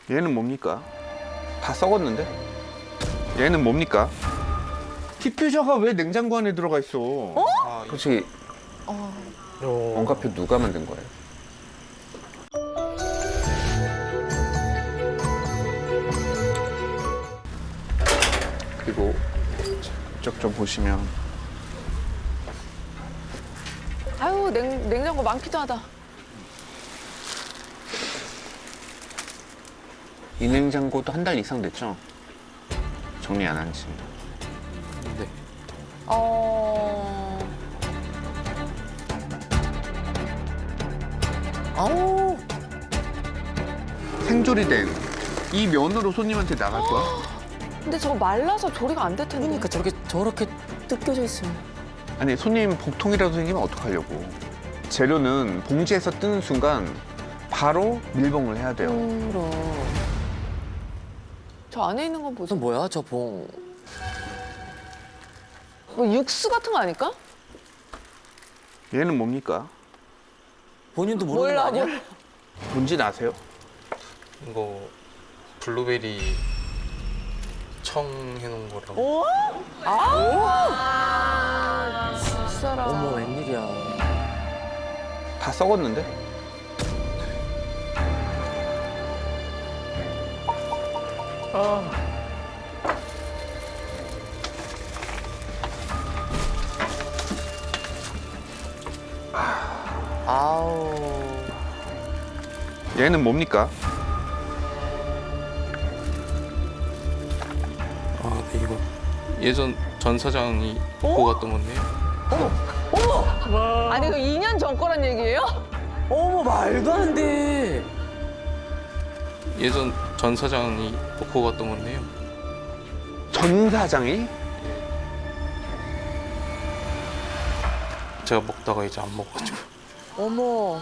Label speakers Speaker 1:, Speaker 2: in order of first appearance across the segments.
Speaker 1: 얘는 뭡니까? 다 썩었는데? 얘는 뭡니까? 디퓨저가 왜 냉장고 안에 들어가 있어? 솔직히 원가표 누가 만든 거예요? 그리고 이쪽 좀 보시면
Speaker 2: 아유, 냉장고 많기도 하다.
Speaker 1: 이 냉장고도 한 달 이상 됐죠? 정리 안 한 지.
Speaker 3: 네.
Speaker 2: 아우.
Speaker 1: 생조리된 이 면으로 손님한테 나갈 거야?
Speaker 2: 근데 저거 말라서 조리가 안 될 텐데.
Speaker 3: 그러니까 저렇게 뜯겨져 있으면.
Speaker 1: 아니 손님 복통이라도 생기면 어떡하려고. 재료는 봉지에서 뜨는 순간 바로 밀봉을 해야 돼요.
Speaker 3: 그럼.
Speaker 2: 저 안에 있는 건
Speaker 3: 저
Speaker 2: 뭐죠?
Speaker 3: 뭐야 저 봉.
Speaker 2: 뭐 육수 같은 거 아닐까?
Speaker 1: 얘는 뭡니까?
Speaker 3: 본인도 모르는 거 아니야?
Speaker 1: 뭔지 아세요?
Speaker 4: 이거 블루베리 청 해놓은 거라고.
Speaker 2: 진짜라.
Speaker 3: 어머 웬일이야.
Speaker 1: 다 썩었는데?
Speaker 3: 아우.
Speaker 1: 얘는 뭡니까?
Speaker 4: 아, 네, 이거 예전 전 사장이 입고 갔던 건데요.
Speaker 2: 아니, 이거 2년 전 거란 얘기예요?
Speaker 3: 어머 말도 안 돼.
Speaker 4: 예전 전 사장이 놓고 갔던 건데요.
Speaker 1: 전 사장이?
Speaker 4: 제가 먹다가 이제 안 먹어가지고.
Speaker 2: 어머.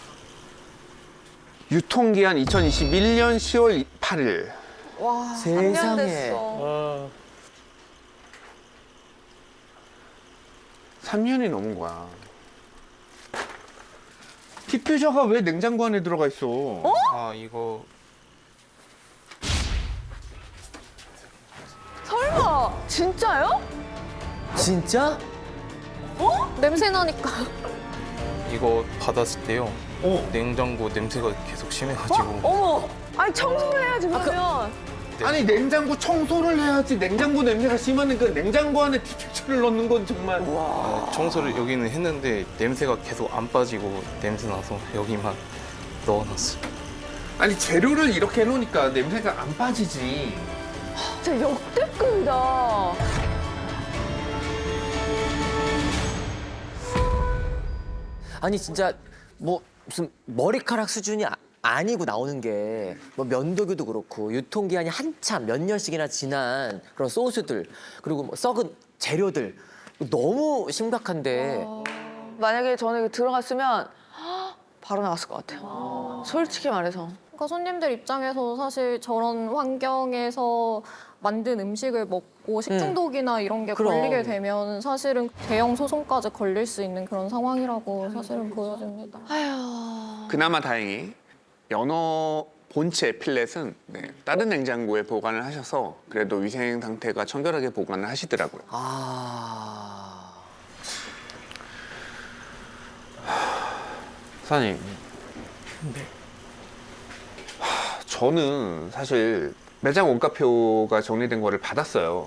Speaker 1: 유통기한 2021년 10월 8일.
Speaker 2: 와,
Speaker 3: 세상에.
Speaker 2: 3년 됐어.
Speaker 1: 3년이 넘은 거야. 디퓨저가 왜 냉장고 안에 들어가 있어?
Speaker 4: 아, 이거
Speaker 2: 설마, 진짜요?
Speaker 3: 진짜?
Speaker 5: 냄새 나니까.
Speaker 4: 이거 받았을 때요. 냉장고 냄새가 계속 심해가지고.
Speaker 2: 어머. 아니, 청소를 해야지, 그러면.
Speaker 4: 네.
Speaker 1: 아니 냉장고 청소를 해야지. 냉장고 냄새가 심하는 그 냉장고 안에 디퓨저를 넣는 건 정말.
Speaker 4: 청소를 여기는 했는데 냄새가 계속 안 빠지고 냄새 나서 여기만 넣어놨어요.
Speaker 1: 아니 재료를 이렇게 해놓으니까 냄새가 안 빠지지.
Speaker 2: 진짜 역대급이다.
Speaker 3: 아니 진짜 뭐 무슨 머리카락 수준이 아니고 나오는 게 뭐 면도기도 그렇고 유통기한이 한참 몇 년씩이나 지난 그런 소스들 그리고 뭐 썩은 재료들 너무 심각한데
Speaker 2: 만약에 저는 이거 들어갔으면 바로 나갔을 것 같아요. 솔직히 말해서.
Speaker 5: 그러니까 손님들 입장에서 사실 저런 환경에서 만든 음식을 먹고 식중독이나 이런 게
Speaker 3: 그럼.
Speaker 5: 걸리게 되면 사실은 대형 소송까지 걸릴 수 있는 그런 상황이라고 사실은 보여집니다.
Speaker 2: 아휴.
Speaker 1: 그나마 다행히 연어 본체 필렛은 다른 냉장고에 보관을 하셔서 그래도 위생 상태가 청결하게 보관을 하시더라고요.
Speaker 3: 아
Speaker 1: 사장님. 저는 사실 매장 원가표가 정리된 거를 받았어요.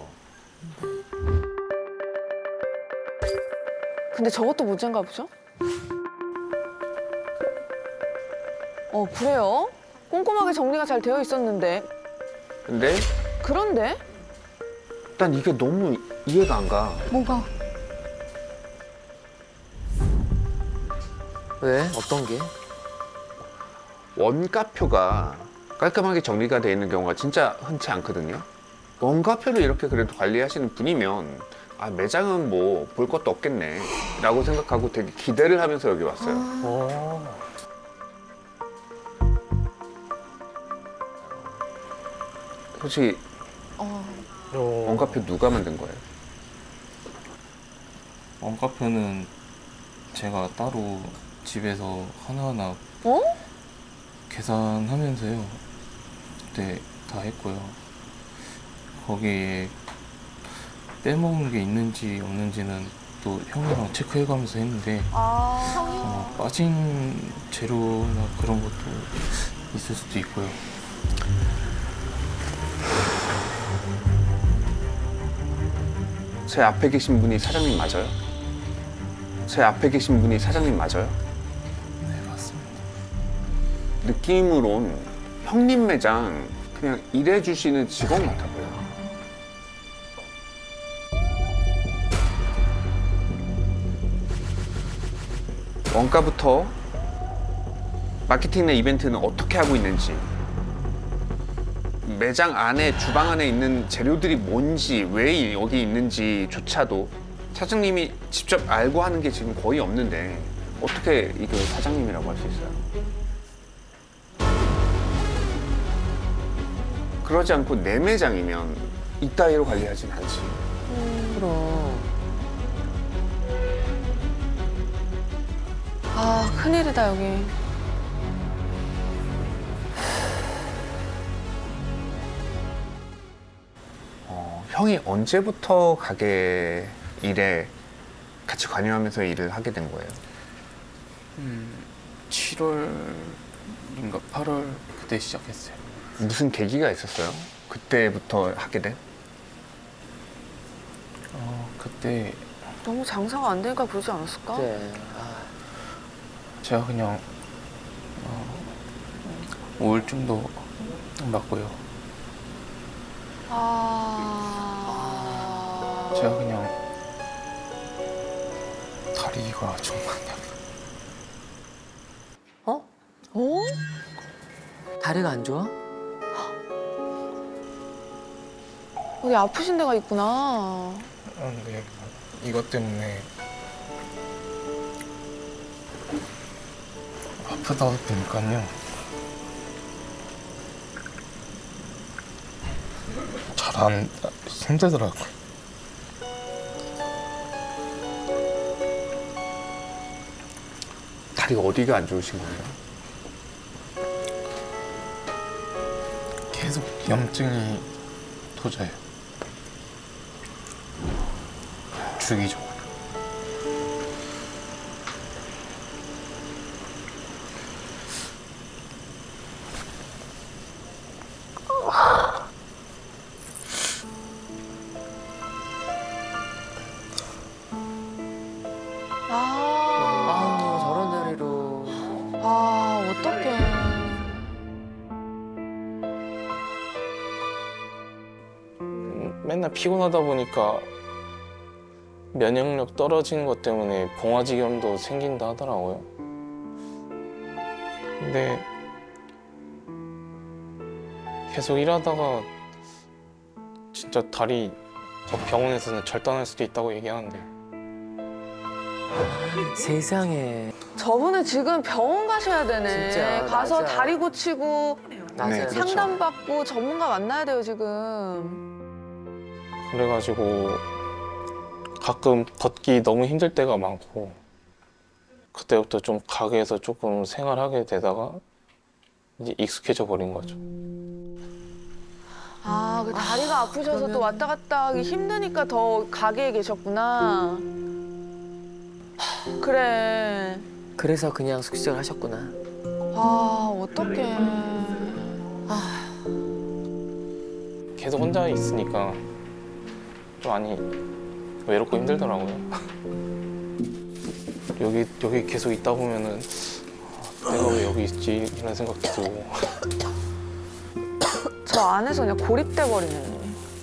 Speaker 2: 근데 저것도 문제인가 보죠? 그래요? 꼼꼼하게 정리가 잘 되어 있었는데.
Speaker 1: 근데
Speaker 2: 그런데?
Speaker 1: 난 이게 너무 이해가 안 가.
Speaker 5: 뭐가?
Speaker 3: 왜? 어떤 게?
Speaker 1: 원가표가 깔끔하게 정리가 되어 있는 경우가 진짜 흔치 않거든요. 원가표를 이렇게 그래도 관리하시는 분이면 아, 매장은 뭐 볼 것도 없겠네 라고 생각하고 되게 기대를 하면서 여기 왔어요. 솔직히 원가표 누가 만든 거예요?
Speaker 4: 원가표는 제가 따로 집에서 하나하나
Speaker 2: 어?
Speaker 4: 계산하면서요. 때 다 했고요. 거기에 빼먹은 게 있는지 없는지는 또 형이랑 체크해가면서 했는데 빠진 재료나 그런 것도 있을 수도 있고요.
Speaker 1: 제 앞에 계신 분이 사장님 맞아요? 제 앞에 계신 분이 사장님 맞아요?
Speaker 4: 네, 맞습니다.
Speaker 1: 느낌으론 형님 매장 그냥 일해주시는 직원 같아 보여요. 원가부터 마케팅이나 이벤트는 어떻게 하고 있는지, 매장 안에 주방 안에 있는 재료들이 뭔지, 왜 여기 있는지조차도 사장님이 직접 알고 하는 게 지금 거의 없는데 어떻게 이걸 사장님이라고 할 수 있어요? 그러지 않고 내 매장이면 이따위로 관리하진 않지.
Speaker 3: 그럼.
Speaker 2: 아, 큰일이다, 여기.
Speaker 1: 형이 언제부터 가게 일에 같이 관여하면서 일을 하게 된 거예요?
Speaker 4: 7월인가 8월 그때 시작했어요.
Speaker 1: 무슨 계기가 있었어요? 그때부터 하게 된?
Speaker 4: 그때
Speaker 2: 너무 장사가 안 되니까 그러지 않았을까?
Speaker 3: 그래. 아,
Speaker 4: 제가 그냥 우울증도 맞고요. 제가 그냥 다리가 정말
Speaker 3: 어?
Speaker 2: 어?
Speaker 3: 다리가 안 좋아?
Speaker 2: 어디 아프신 데가 있구나.
Speaker 4: 근데 이것 때문에 아프다 보니까요. 잘 안 힘들더라고요.
Speaker 1: 다리가 어디가 안 좋으신 거예요?
Speaker 4: 계속 염증이 도져요. 주기적으로.
Speaker 3: 아우, 저런 다리로.
Speaker 2: 어떡해.
Speaker 4: 맨날 피곤하다 보니까 면역력 떨어지는 것 때문에 봉화지겸도 생긴다 하더라고요. 근데 계속 일하다가 진짜 다리 병원에서는 절단할 수도 있다고 얘기하는데
Speaker 3: 세상에.
Speaker 2: 저분은 지금 병원 가셔야 되네.
Speaker 3: 진짜,
Speaker 2: 가서
Speaker 3: 맞아.
Speaker 2: 다리 고치고
Speaker 3: 맞아요.
Speaker 1: 네, 그렇죠.
Speaker 2: 상담받고 전문가 만나야 돼요, 지금.
Speaker 4: 그래가지고 가끔 걷기 너무 힘들 때가 많고 그때부터 좀 가게에서 조금 생활하게 되다가 이제 익숙해져 버린 거죠.
Speaker 2: 그 다리가 아프셔서 또 왔다 갔다 하기 힘드니까 더 가게에 계셨구나. 그래.
Speaker 3: 그래서 그냥 숙식을 하셨구나.
Speaker 2: 어떡해.
Speaker 4: 계속 혼자 있으니까 좀 많이 외롭고 힘들더라고요. 여기 계속 있다 보면은 내가 왜 여기 있지 이런 생각도 들고.
Speaker 2: 저 안에서 그냥 고립돼 버리네.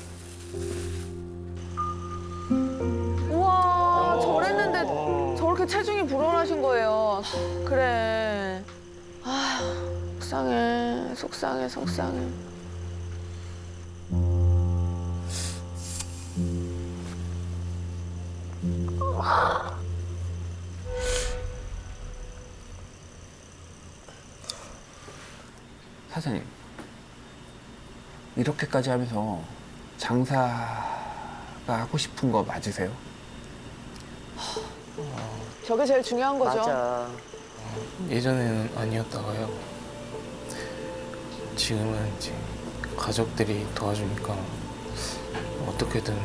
Speaker 2: 우와, 저랬는데 저렇게 체중이 불어나신 거예요. 그래. 속상해, 속상해, 속상해.
Speaker 1: 사장님, 이렇게까지 하면서 장사가 하고 싶은 거 맞으세요?
Speaker 2: 저게 제일 중요한 거죠.
Speaker 3: 맞아.
Speaker 4: 예전에는 아니었다가요. 지금은 이제 가족들이 도와주니까 어떻게든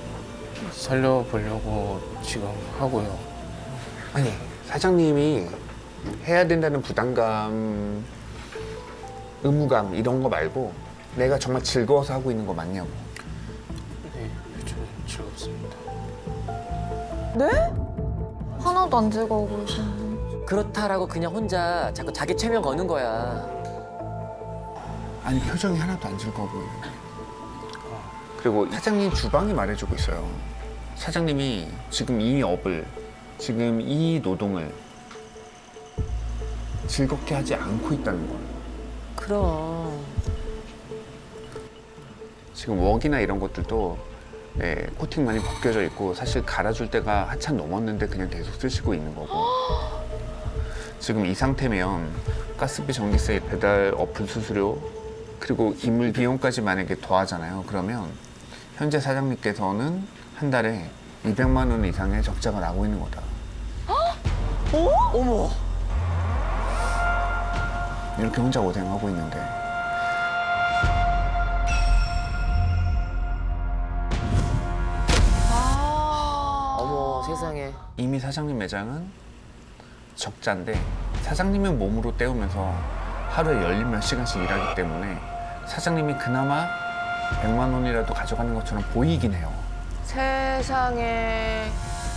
Speaker 4: 살려보려고 지금 하고요.
Speaker 1: 아니 사장님이 해야 된다는 부담감, 의무감 이런 거 말고 내가 정말 즐거워서 하고 있는 거 맞냐고.
Speaker 4: 네, 요즘 즐겁습니다.
Speaker 2: 네?
Speaker 5: 하나도 안 즐거워 보이시는데.
Speaker 3: 그렇다라고 그냥 혼자 자꾸 자기 최면 거는 거야.
Speaker 1: 아니 표정이 하나도 안 즐거워 보여요. 그리고 사장님 주방이 말해주고 있어요. 사장님이 지금 이 업을, 지금 이 노동을 즐겁게 하지 않고 있다는 걸.
Speaker 3: 그럼.
Speaker 1: 지금 웍이나 이런 것들도 코팅 많이 벗겨져 있고 사실 갈아줄 때가 한참 넘었는데 그냥 계속 쓰시고 있는 거고. 지금 이 상태면 가스비, 전기세, 배달, 어플 수수료 그리고 기물 비용까지 만약에 더하잖아요. 그러면 현재 사장님께서는 한 달에 200만 원 이상의 적자가 나고 있는 거다.
Speaker 3: 어머.
Speaker 1: 이렇게 혼자 고생하고 있는데.
Speaker 3: 어머 세상에.
Speaker 1: 이미 사장님 매장은 적자인데 사장님의 몸으로 때우면서 하루에 열린 몇 시간씩 일하기 때문에 사장님이 그나마 100만 원이라도 가져가는 것처럼 보이긴 해요.
Speaker 2: 세상에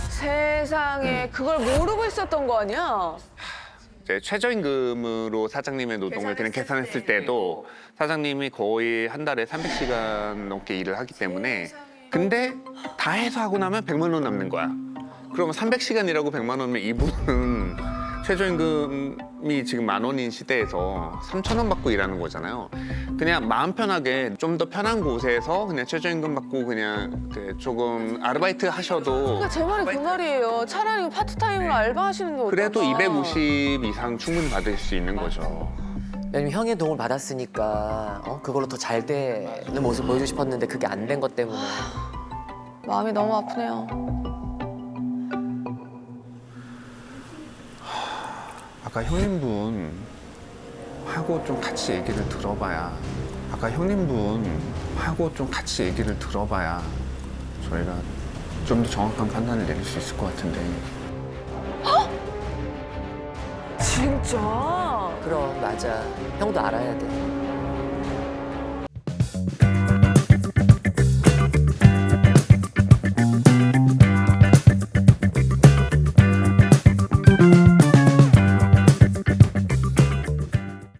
Speaker 2: 그걸 모르고 있었던 거 아니야?
Speaker 1: 이제 최저임금으로 사장님의 노동을 그냥 계산했을 때도 사장님이 거의 한 달에 300시간 넘게 일을 하기 때문에 근데 다 해서 하고 나면 100만 원 남는 거야. 그러면 300시간 일하고 100만 원이면 이분은 최저임금이 지금 10,000원인 시대에서 3,000원 받고 일하는 거잖아요. 그냥 마음 편하게 좀 더 편한 곳에서 그냥 최저임금 받고 그냥 조금 아르바이트 하셔도
Speaker 2: 그러니까 제 말이 그 말이에요. 차라리 파트타임으로 알바하시는 게 어떨까?
Speaker 1: 그래도 250 이상 충분히 받을 수 있는 거죠.
Speaker 3: 왜냐면 형의 도움을 받았으니까 그걸로 더 잘 되는 모습 보여주고 싶었는데 그게 안 된 것 때문에.
Speaker 2: 마음이 너무 아프네요.
Speaker 1: 아까 형님분 하고 좀 같이 얘기를 들어봐야 아까 형님분 하고 좀 같이 얘기를 들어봐야 저희가 좀 더 정확한 판단을 내릴 수 있을 것 같은데.
Speaker 2: 진짜?
Speaker 3: 그럼 맞아. 형도 알아야 돼.